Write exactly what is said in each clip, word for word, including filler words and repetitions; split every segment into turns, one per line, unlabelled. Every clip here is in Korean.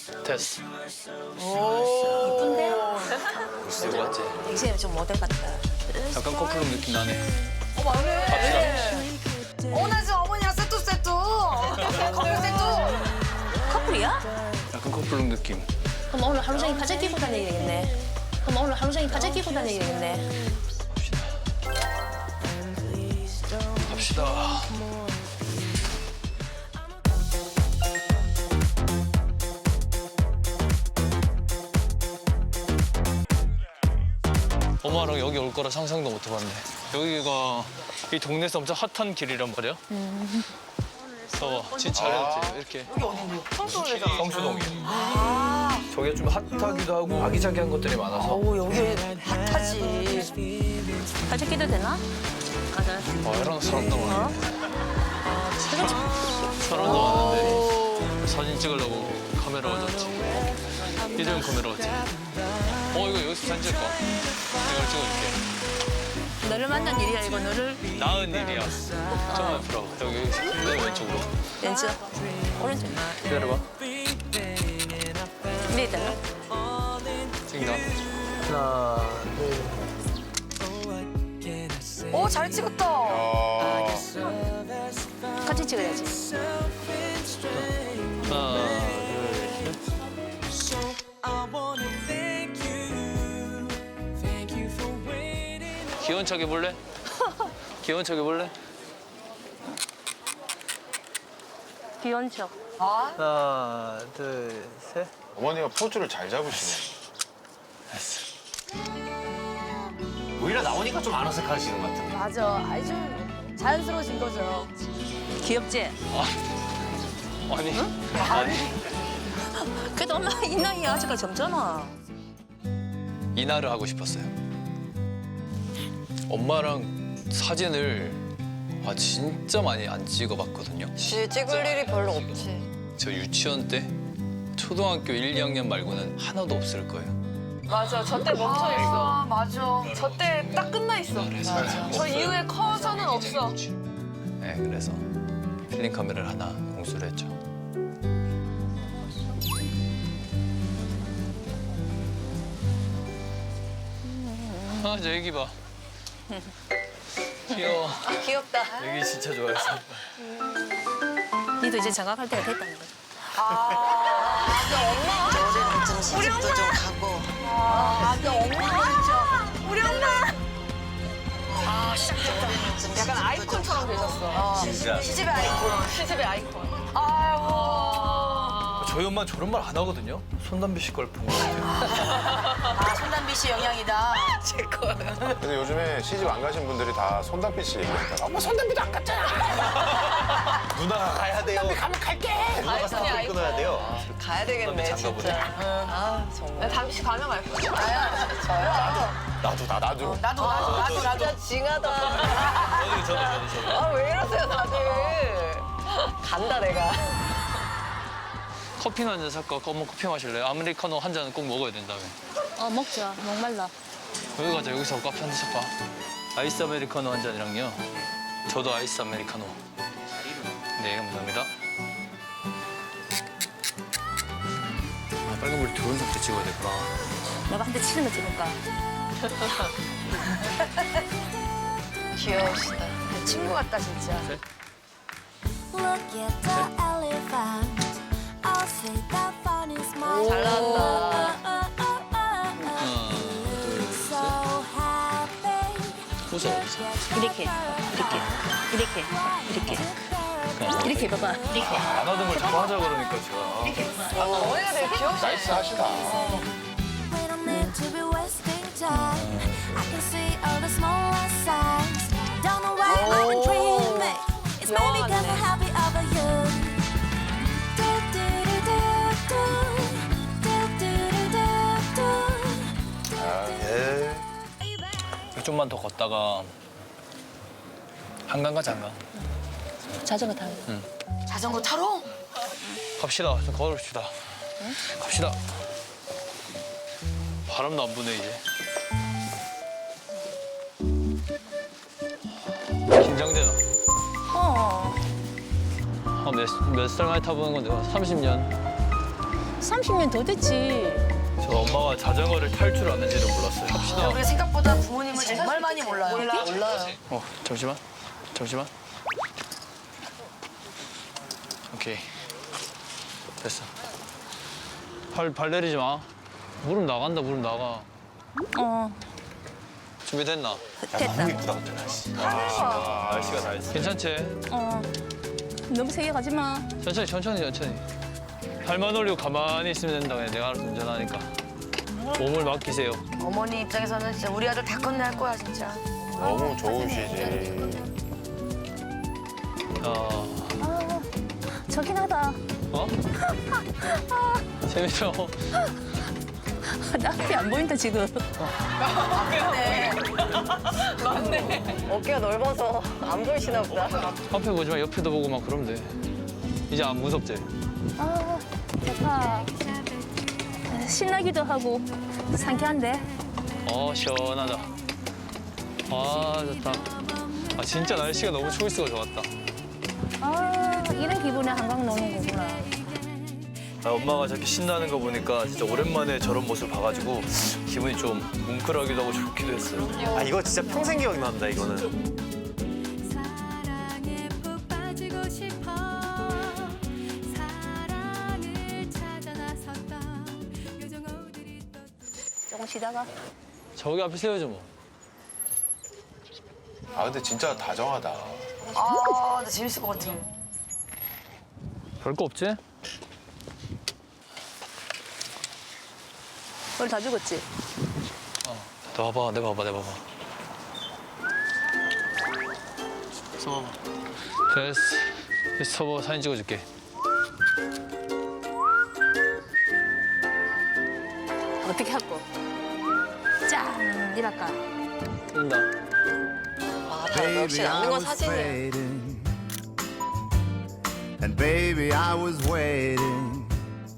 됐어.
이쁜데?
이거 맞지?
엑스엠 좀 모델 같다.
약간 커플룩 느낌 나네.
어, 맞네.
갑시다.
어, 나 지금 어머니랑 세트 세트. 커플 세트.
커플이야?
약간 커플룩 느낌.
그럼 오늘 하루 종일 바지 끼고 다니게 되겠네. 그럼 오늘 하루 종일 바지 끼고 다니게 되겠네.
갑시다. 엄마랑 여기 올 거라 상상도 못 해봤네. 여기가 이 동네에서 엄청 핫한 길이란 말이야.
음.
봐봐, 진짜 잘했지. 이렇게.
성수동에서.
성수동이. 저게 좀 핫하기도 하고 아기자기한 것들이 많아서.
오, 여기 핫하지.
바지 끼도 되나? 맞아.
와, 이런 사람도 많네. 사람도 많은데 사진 찍으려고 카메라가 졌지. 이름 카메라가 졌지. 어, 이거 여기서 사진 찍을까? 이걸 찍어줄게.
너를 만난 일이야 이거 너를.
나은 일이야. 좀 앞으로. 여기 내 왼쪽으로.
왼쪽. 오른쪽.
기다려봐.
위에 있잖아.
찍나? 하나, 둘.
오, 잘 찍었다.
같이 찍어야지.
하나, 둘, 셋. 귀여운 척 해볼래? 귀여운 척 해볼래?
귀여운 척.
하나, 둘, 셋.
어머니가 포즈를 잘 잡으시네.
됐어.
오히려 나오니까 좀 안 어색하시는 것 같은데.
맞아. 아이, 좀 자연스러워진 거죠.
귀엽지?
아니, 아니.
그래도 엄마 이 나이에 아직까지 젊잖아.
이날을 하고 싶었어요. 엄마랑 사진을 아, 진짜 많이 안 찍어봤거든요.
그치, 찍을 일이 별로 없지.
저 유치원 때 초등학교 일, 이 학년 말고는 하나도 없을 거예요.
맞아, 저 때 멈춰 있어. 아, 맞아. 저 때 딱 끝나 있어.
맞아.
저 이후에 커서는 없어.
네, 그래서 필름 카메라를 하나 공수를 했죠. 아, 저 애기 봐. 귀여워.
귀엽다.
애기 진짜 좋아했어.
니도 이제 장가갈 때가 됐다는 거지.
올해는 좀 시집도 좀 가고
아, 너 엄마. 우리 엄마. 아, 시작했다.
좀
약간
시집도
아이콘처럼
좀 가고.
되셨어.
진짜.
시집의 아이콘. 시집의 아이콘. 아이고.
저희 엄마 저런 말 안 하거든요. 손담비 씨 걸 본 것 같아요.
아, 손담비 씨 영향이다. 제 거.
근데 요즘에 시집 안 가신 분들이 다 손담비 씨 얘기한다. 엄마 손담비도 안 갔잖아.
누나가 가야 돼요.
가면 갈게.
누나가
아이콘이
스타트
아이콘.
끊어야 돼요.
가야 되겠네
장가 보네.
진짜. 아 정말.
담비 씨 가면 갈 거야. 나야. 저요?
나도 나 나도.
나도, 나도, 나도, 나도.
진짜 징하다.
저도 저도 저도 저도.
아 왜 이러세요 다들. 간다 내가.
커피나 한 잔 살까? 어머 커피 마실래요? 아메리카노 한 잔은 꼭 먹어야 된다며.
어 먹자. 목말라.
여기 가자. 여기서 커피 한 잔 살까? 아이스 아메리카노 한 잔이랑요. 저도 아이스 아메리카노. 네, 감사합니다. 아, 빨간 불이 들어온 상태 찍어야 되구나.
내가 한 대 치는 거 찍을까?
귀여우시다. 친구 같다, 진짜.
Look at the elephant. I'll say that fun is mine.
잘 나왔다.
하나, 둘,
So happy.
포즈 어디서?
이렇게, 이렇게, 이렇게, 이렇게, 이렇게 봐봐. 이렇게.
안 하던 걸 자꾸 하자 그러니까 제가.
어머니가 되게 귀여우시다.
나이스 하시다.
We don't need to be wasting time. I can see all the smaller signs. Don't know why I've been dreaming. It's maybe cause I'm happy over you. Do, do, do, do, do. Do, do, do, do, do.
예.
좀만 더 걷다가 한강 가자, 한강.
자전거 타고.
자전거 타러?
갑시다. 좀 걸읍시다. 갑시다. 바람도 안 부네, 이제. 긴장되나?
어.
아, 몇, 몇 살 만에 타보는 건데, 삼십 년.
삼십 년 더 됐지.
저 엄마가 자전거를 탈 줄 아는지도 몰랐어요.
합시다.
우리가 생각보다 부모님을 정말 많이 몰라요. 몰라. 몰라요.
어, 잠시만. 잠시만. 오케이. 됐어. 발, 발 내리지 마. 무릎 나간다, 무릎 나가.
어,
준비됐나?
됐다.
아, 날씨가 다 했어.
괜찮지?
어, 너무 세게 가지 마.
천천히, 천천히, 천천히. 발만 올리고 가만히 있으면 된다. 그냥 내가 알아서 운전하니까. 몸을 맡기세요.
어머니 입장에서는 진짜 우리 아들 다 끝낼 거야 진짜.
너무 좋으시지.
어,
아, 저긴 하다.
어? 재밌어.
나 앞이 안 보인다, 지금.
어깨가 넓어서 안 보이시나 보다.
앞에 보지 마, 옆에도 보고 막 그러면 돼. 이제 안 무섭지?
아, 좋다. 신나기도 하고, 상쾌한데?
어, 시원하다. 아, 좋다. 아, 진짜 날씨가 너무 초이스가 좋았다.
아, 이런 기분에 한강 노는 거구나.
아, 엄마가 저렇게 신나는 거 보니까 진짜 오랜만에 저런 모습을 봐가지고 기분이 좀 뭉클하기도 하고 좋기도 했어요.
아 이거 진짜 평생 기억이 난다 이거는.
사랑에 푹 빠지고 싶어 사랑을 찾아 나섰던 요정오들이 또
조금 쉬다가.
저기 앞에 세워줘, 뭐.
아 근데 진짜 다정하다.
아, 나 재밌을 것 같아.
별거 없지?
오늘 다 죽었지?
너 봐봐, 내가 봐봐, 내가 봐봐. 서봐봐. 됐어. 됐어, 서봐, 사진 찍어줄게.
어떻게 할거? 짠! 이랄까.
뜬다.
아, 다 역시 남는 건 사진이야.
And baby, I was waiting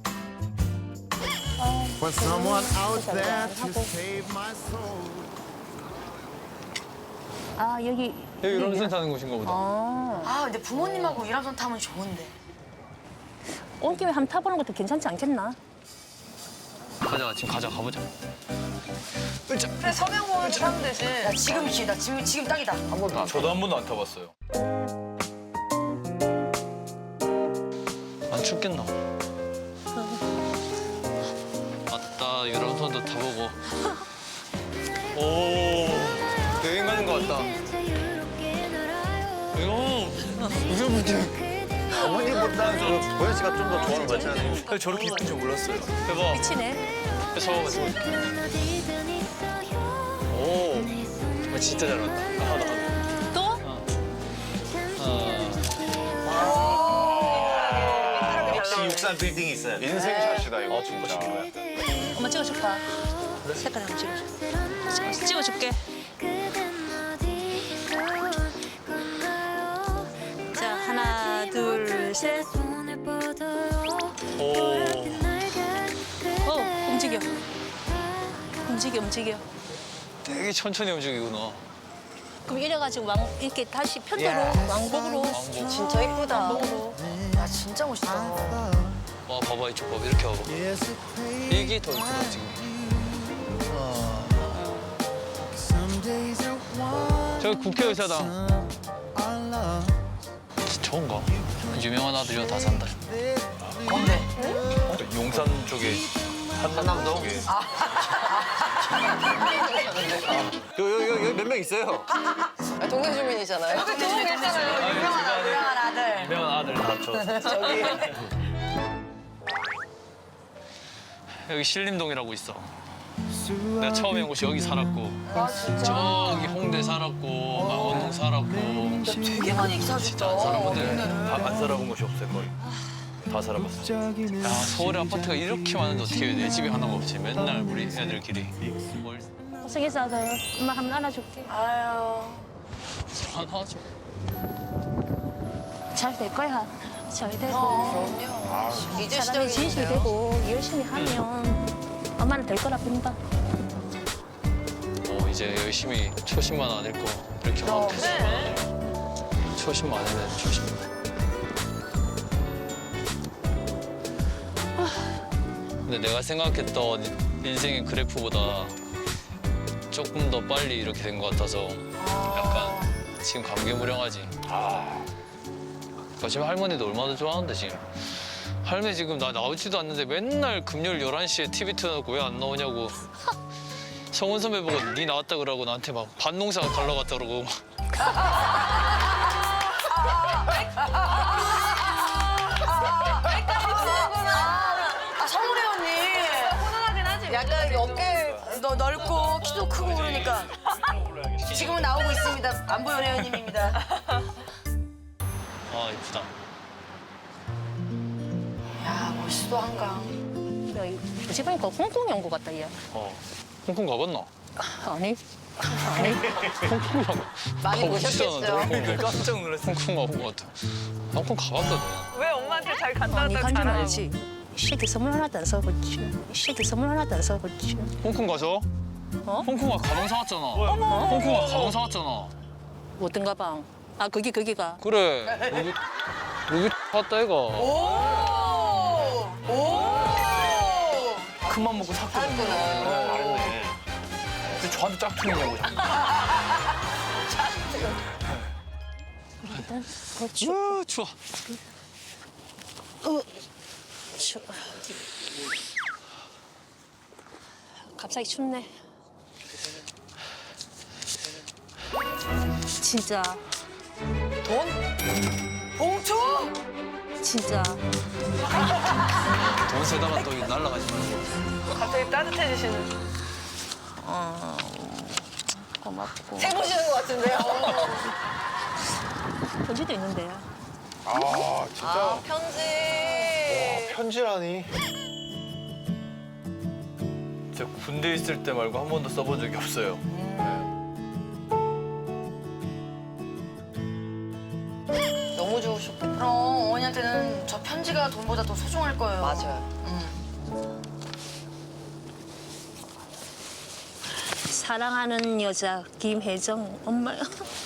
for someone out there to save my soul.
아, 여기.
여기 유람선 타는 곳인가 보다.
아,
아, 근데 부모님하고 유람선 타면 좋은데.
온 김에 한번 타보는 것도 괜찮지 않겠나?
가자, 지금 가자, 가보자. 으쌰.
그래, 서명호는 타면 되지. 야, 지금 기회다. 지금, 지금 딱이다.
한 번도 안
저도 한 번도 안 타봤어요.
안 춥겠나? 아따, 유람선도 타보고. 오, 여행 가는 것 같다. 이거 무슨 무슨
어머니보다 저 보현 씨가 좀 더 좋아하는 거 같잖아요.
저렇게 이쁜 줄 몰랐어요. 대박.
미치네.
서봐봐, 지금. 오, 아, 진짜 잘 봤다. 하나, 하나.
또?
어.
역시 육산 빌딩이 있어요.
인생샷이다 이거 진짜.
엄마 찍어줄까? 색깔 한번 찍어줘. 찍어- 찍어줄게. 자, 하나, 둘, 셋.
오.
어, 움직여. 움직여, 움직여.
되게 천천히 움직이구나.
그럼 이래가지고 왕, 이렇게 다시 편도로, 왕복으로.
왕복.
진짜 이쁘다.
왕복으로.
야, 진짜 멋있다.
와, 봐봐, 이쪽 봐봐. 이렇게 와봐. 이게 더 이쁘다, 지금. 저기 국회의사당. 저건가? 유명한 아들이랑 다 산다.
뭔데?
용산 쪽에 한남동 쪽에.
여기 여기 몇 명 있어요.
아, 동네 주민이잖아요.
여기 좋은 게 있잖아요. 유명한 아들, 유명한 아들.
유명한 아들 다 저.
저기.
여기 신림동이라고 있어. 내가 처음에 온 곳이 여기 살았고.
아, 진짜?
저기 홍대 살았고, 망원동 살았고.
되게 많이 기사
진짜 안 살아본데.
다 안 살아본 곳이 없어요 거의. 다 살아봤어요.
야, 서울에 아파트가 이렇게 많은데 어떻게 내 집에 하나가 없지? 맨날 우리 애들끼리. 뭘
고생했어, 아들. 엄마 한번 안아줄게.
아유.
하나죠?
잘 될 거야. 잘 되고.
그럼요.
이제
사람이 진실이
시작이네요.
되고 열심히 하면 엄마는 될 거라 봅니다.
어, 이제 열심히 초심만 안 읽고 이렇게 하면 됐어. 초심만 안 해야 돼, 초심. 근데 내가 생각했던 인생의 그래프보다 조금 더 빨리 이렇게 된 것 같아서 약간 지금 감개무량하지. 그러니까 지금 할머니도 얼마나 좋아하는데 지금. 할머니 지금 나 나오지도 않는데 맨날 금요일 열한 시에 티비 틀어놓고 왜 안 나오냐고. 성훈 선배 보고 니 나왔다 그러고 나한테 막 반농사 갈러 갔다 그러고.
아 성우래 언니. 훈훈하긴 하지.
약간 어깨
너 넓고 키도 크고 그러니까. 지금은 나오고 있습니다. 안보현 회원님입니다.
아 이쁘다.
야 멋있어 한강.
어제 보니까 홍콩에 온 것 같다, 얘.
어. 홍콩 가봤나?
아니. 아니.
홍콩 가.
많이 보셨겠죠?
깜짝 놀랐어.
홍콩 가본 것 같아. 홍콩 가봤거든.
왜 엄마한테 잘 간다
아니,
왔다
간줄
잘하고.
알지. 시드 선물 하나 안 사봤지. 시드 선물 하나 안 사봤지.
홍콩 가서?
어?
홍콩아 가방 사왔잖아. 홍콩아 가방 사왔잖아.
어떤 가방? 아, 거기, 거기가.
그래. 여기 여기 사왔다 얘가.
오. 오.
큰맘 먹고 샀거든요. 네. 근데 저한테 짝퉁이냐고. 자꾸.
일단, 그렇지.
우 추워.
어, 추... 갑자기 춥네. 진짜,
돈? 봉투?
진짜.
돈 세다가 또 날라가지 말고.
갑자기 따뜻해지시는.
어, 고맙고.
세 보시는 것 같은데요?
편지도 있는데.
아 진짜
아, 편지.
편지라니.
제가 군대 있을 때 말고 한 번도 써본 적이 없어요.
너무 좋으셨겠다.
그럼 어머니한테는 저 편지가 돈보다 더 소중할 거예요.
맞아요.
사랑하는 여자 김혜정 엄마야.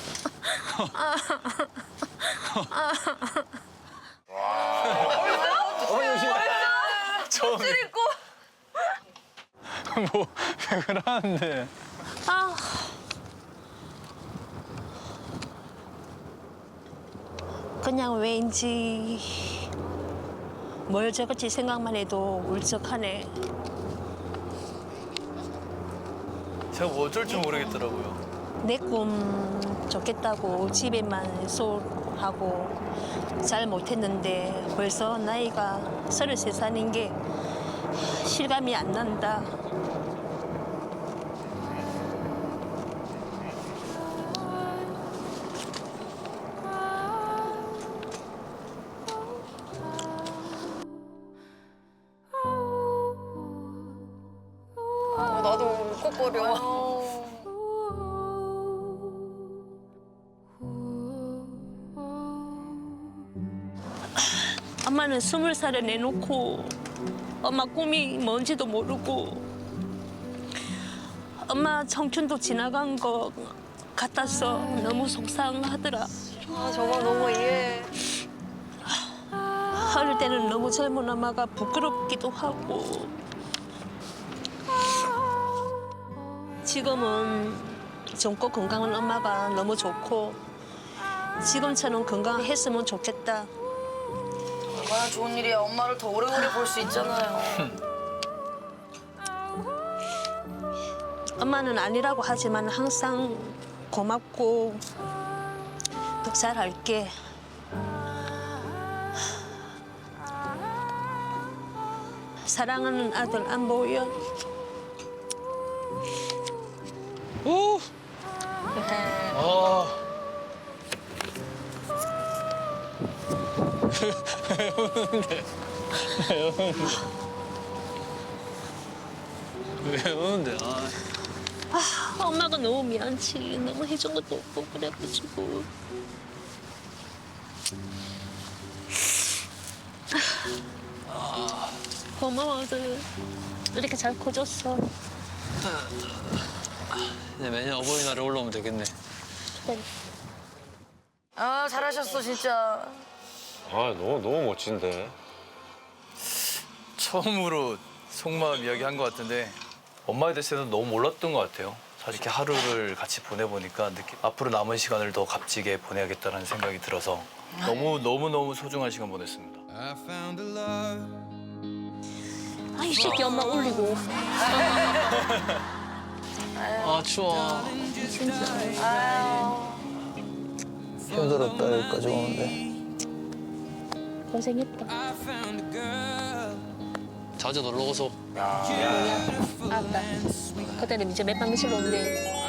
처음에. 뭐, 왜 그러는데.
아. 그냥 왠지 뭘 적을지 생각만 해도 울적하네.
제가 뭐 어쩔 줄 모르겠더라고요.
내 꿈 좋겠다고 집에만 소홀하고 잘 못했는데 벌써 나이가 서른세 살인 게 실감이 안 난다.
어, 나도 울컥거려.
엄마는 스물 살에 내놓고 엄마 꿈이 뭔지도 모르고 엄마 청춘도 지나간 것 같아서 너무 속상하더라.
아, 정말 너무 이해해.
어릴 때는 너무 젊은 엄마가 부끄럽기도 하고 지금은 젊고 건강한 엄마가 너무 좋고 지금처럼 건강했으면 좋겠다.
얼마나 좋은 일이야. 엄마를 더 오래오래 볼 수 있잖아요.
엄마는 아니라고 하지만 항상 고맙고 더 잘할게. 사랑하는 아들 안보현.
오. 아. 왜 우는데? 왜 우는데? 왜 우는데? 아.
아, 엄마가 너무 미안치. 너무 해준 것도 없고 그래가지고. 고마워, 아들. 이렇게 잘 커졌어.
이제 매년 어버이날에 올라오면 되겠네.
아 잘하셨어 진짜.
아 너무 너무 멋진데.
처음으로 속마음 이야기 한 것 같은데 엄마에 대해서는 너무 몰랐던 것 같아요. 사실 이렇게 하루를 같이 보내보니까 느끼, 앞으로 남은 시간을 더 값지게 보내야겠다는 생각이 들어서 너무 너무 너무 소중한 시간 보냈습니다.
아, 이 새끼 엄마 올리고.
아 추워.
힘들었다 여기까지 오는데.
고생했다.
자주 놀러 오소.
알았다. 그때는 이제 몇 박 며칠 오는데